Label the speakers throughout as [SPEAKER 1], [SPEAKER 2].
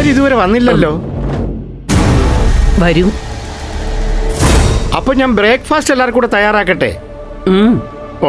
[SPEAKER 1] അവരിതുവരെ വന്നില്ലല്ലോ.
[SPEAKER 2] വരും.
[SPEAKER 1] അപ്പൊ ഞാൻ ബ്രേക്ക്ഫാസ്റ്റ് എല്ലാവർക്കും കൂടെ തയ്യാറാക്കട്ടെ. ഓ,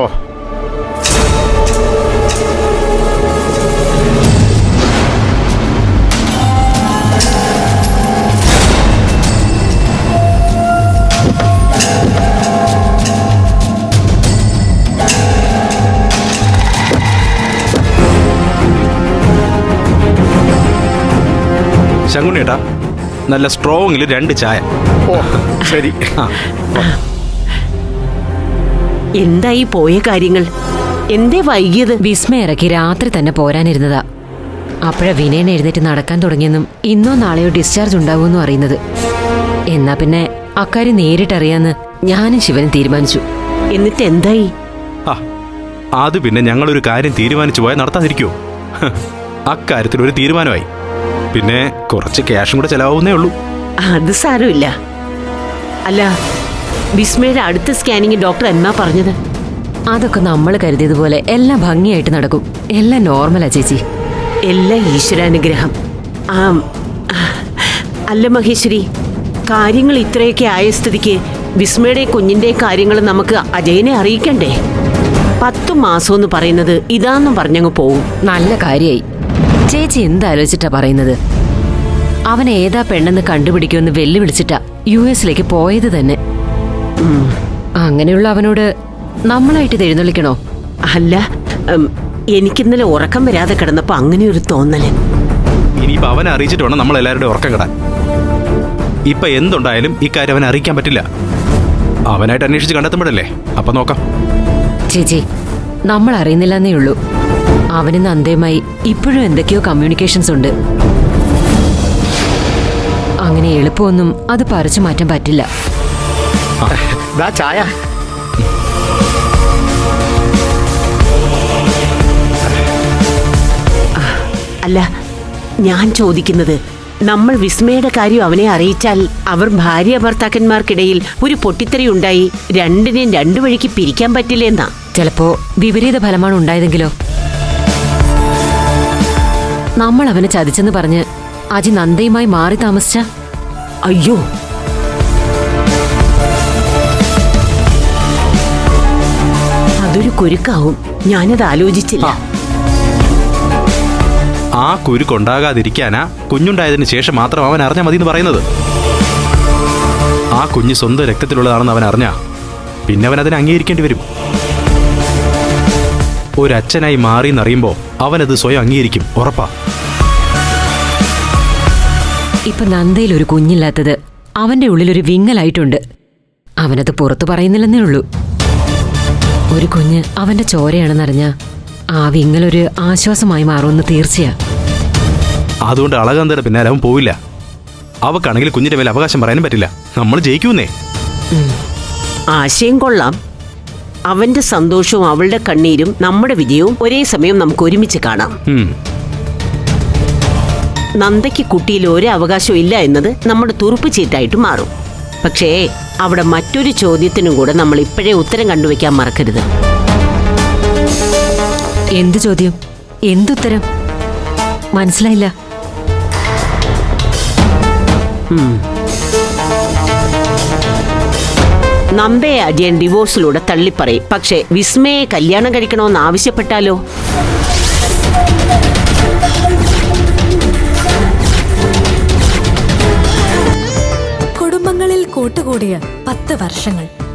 [SPEAKER 3] ശങ്കുണ്ണേട്ടാ, നല്ല സ്ട്രോങ്ങിൽ 2 ചായ.
[SPEAKER 1] ഓ ശരി.
[SPEAKER 2] എന്തായി പോയ കാര്യങ്ങൾ? എന്തേ വൈകിയത്?
[SPEAKER 4] വിസ്മയ ഇറക്കി രാത്രി തന്നെ പോരാനിരുന്നതാ. അപ്പോഴാ വിനയൻ എഴുന്നേറ്റ് നടക്കാൻ തുടങ്ങിയെന്നും ഇന്നോ നാളെയോ ഡിസ്ചാർജ് ഉണ്ടാവുമെന്നും അറിയുന്നത്. എന്നാ പിന്നെ അക്കാര്യം നേരിട്ടറിയാന്ന് ഞാനും ശിവനും തീരുമാനിച്ചു.
[SPEAKER 2] എന്നിട്ട് എന്തായി?
[SPEAKER 3] അത് പിന്നെ ഞങ്ങളൊരു കാര്യം തീരുമാനിച്ചു പോയാൽ നടത്താതിരിക്കുമോ? അക്കാര്യത്തിൽ ഒരു തീരുമാനമായി. പിന്നെ കുറച്ച് ക്യാഷും കൂടെ ചെലവാവുന്നേ ഉള്ളൂ.
[SPEAKER 2] അത് സാരമില്ല. അല്ല, വിസ്മയുടെ അടുത്ത സ്കാനിങ് ഡോക്ടർ എന്നാ പറഞ്ഞത്?
[SPEAKER 4] അതൊക്കെ നമ്മൾ കരുതിയതുപോലെ എല്ലാം ഭംഗിയായിട്ട് നടക്കും. എല്ലാം നോർമലാ ചേച്ചി.
[SPEAKER 2] എല്ലാം ഈശ്വരാനുഗ്രഹം. അല്ല മഹേശ്വരി, കാര്യങ്ങൾ ഇത്രയൊക്കെ ആയ സ്ഥിതിക്ക് വിസ്മയുടെ കുഞ്ഞിന്റെ കാര്യങ്ങൾ നമുക്ക് അജയനെ അറിയിക്കണ്ടേ? 10 മാസം എന്ന് പറയുന്നത് ഇതാന്നും പറഞ്ഞങ്ങ് പോവും.
[SPEAKER 4] നല്ല കാര്യായി. ചേച്ചി എന്താലോചിച്ചിട്ടാ പറയുന്നത്? അവൻ ഏതാ പെണ്ണെന്ന് കണ്ടുപിടിക്കുമെന്ന് വെല്ലുവിളിച്ചിട്ടാ US പോയത് തന്നെ. അങ്ങനെയുള്ള അവനോട് നമ്മളായിട്ട് എഴുന്നള്ളിക്കണോ?
[SPEAKER 2] അല്ല, എനിക്കിന്നലെ ഉറക്കം വരാതെ കിടന്നപ്പോ അങ്ങനെ ഒരു തോന്നല്.
[SPEAKER 3] ഇനിയിപ്പോ അവനെ അറിയിച്ചിട്ട് വേണം നമ്മൾ എല്ലാവരുടെയും ഉറക്കം കിടാൻ. ഇപ്പൊ എന്തുണ്ടായാലും ഇക്കാര്യം അവനെ അറിയിക്കാൻ പറ്റില്ല. അവനായിട്ട് അന്വേഷിച്ച് കണ്ടെത്തുമ്പോഴല്ലേ അപ്പൊ നോക്കാം.
[SPEAKER 4] ചേച്ചി, നമ്മൾ അറിയുന്നില്ലെന്നേ ഉള്ളൂ. അവന് നന്ദയുമായി ഇപ്പോഴും എന്തൊക്കെയോ കമ്മ്യൂണിക്കേഷൻസ് ഉണ്ട്. അങ്ങനെ എളുപ്പമൊന്നും അത് പറിച്ചു മാറ്റാൻ പറ്റില്ല.
[SPEAKER 1] ചായ.
[SPEAKER 2] അല്ല, ഞാൻ ചോദിക്കുന്നത്, നമ്മൾ വിസ്മയുടെ കാര്യം അവനെ അറിയിച്ചാൽ അവർ ഭാര്യ ഭർത്താക്കന്മാർക്കിടയിൽ ഒരു പൊട്ടിത്തെറി ഉണ്ടായി രണ്ടിനെയും 2 വഴിക്ക് പിരിക്കാൻ പറ്റില്ലെന്നാ.
[SPEAKER 4] ചിലപ്പോ വിപരീത ഫലമാണ് ഉണ്ടായതെങ്കിലോ? നമ്മൾ അവനെ ചതിച്ചെന്ന് പറഞ്ഞ് അജി നന്ദയുമായി മാറി താമസിച്ച?
[SPEAKER 2] അയ്യോ, അതൊരു കുരുക്കാവും. ഞാനത് ആലോചിച്ചില്ല.
[SPEAKER 3] ആ കുരുക്കുണ്ടാകാതിരിക്കാനാ കുഞ്ഞുണ്ടായതിനു ശേഷം മാത്രം അവൻ അറിഞ്ഞാൽ മതി എന്ന് പറയുന്നത്. ആ കുഞ്ഞ് സ്വന്തം രക്തത്തിലുള്ളതാണെന്ന് അവൻ അറിഞ്ഞാ പിന്നെ അവൻ അതിനെ അംഗീകരിക്കേണ്ടി വരും. ഒരച്ഛനായി മാറി എന്നറിയുമ്പോ അവനത് സ്വയം അംഗീകരിക്കും, ഉറപ്പാ.
[SPEAKER 4] ഇപ്പൊ നന്ദയിൽ ഒരു കുഞ്ഞില്ലാത്തത് അവന്റെ ഉള്ളിലൊരു വിങ്ങലായിട്ടുണ്ട്. അവനത് പുറത്തു പറയുന്നില്ലെന്നേ ഉള്ളൂ. ഒരു കുഞ്ഞ് അവന്റെ ചോരയാണെന്നറിഞ്ഞ ആ വിങ്ങലൊരു ആശ്വാസമായി മാറുമെന്ന് തീർച്ചയാ.
[SPEAKER 3] അതുകൊണ്ട് അളകാന്തയുടെ പിന്നാലെ അവൻ പോവില്ല. അവക്കാണെങ്കിൽ കുഞ്ഞിന്റെ മേലെ അവകാശം പറയാനും പറ്റില്ല. നമ്മൾ ജയിക്കൂന്നേ.
[SPEAKER 2] ആശയം കൊള്ളാം. അവന്റെ സന്തോഷവും അവളുടെ കണ്ണീരും നമ്മുടെ വിജയവും ഒരേ സമയം നമുക്ക് ഒരുമിച്ച് കാണാം. നന്ദയ്ക്ക് കുട്ടിയിൽ ഒരു അവകാശവും ഇല്ല എന്നത് നമ്മുടെ തുറുപ്പ് ചീട്ടായിട്ട് മാറും. പക്ഷേ അവിടെ മറ്റൊരു ചോദ്യത്തിനും കൂടെ നമ്മൾ ഇപ്പോഴേ ഉത്തരം കണ്ടുവെക്കാൻ മറക്കരുത്.
[SPEAKER 4] എന്ത് ചോദ്യം? എന്തുത്തരം? മനസ്സിലായില്ല.
[SPEAKER 2] നന്ദയെ അജയൻ ഡിവോഴ്സിലൂടെ തള്ളിപ്പറയും. പക്ഷേ വിസ്മയെ കല്യാണം കഴിക്കണമെന്ന് ആവശ്യപ്പെട്ടാലോ?
[SPEAKER 5] കുടുംബങ്ങളിൽ കൂട്ടുകൂടിയ 10 വർഷങ്ങൾ.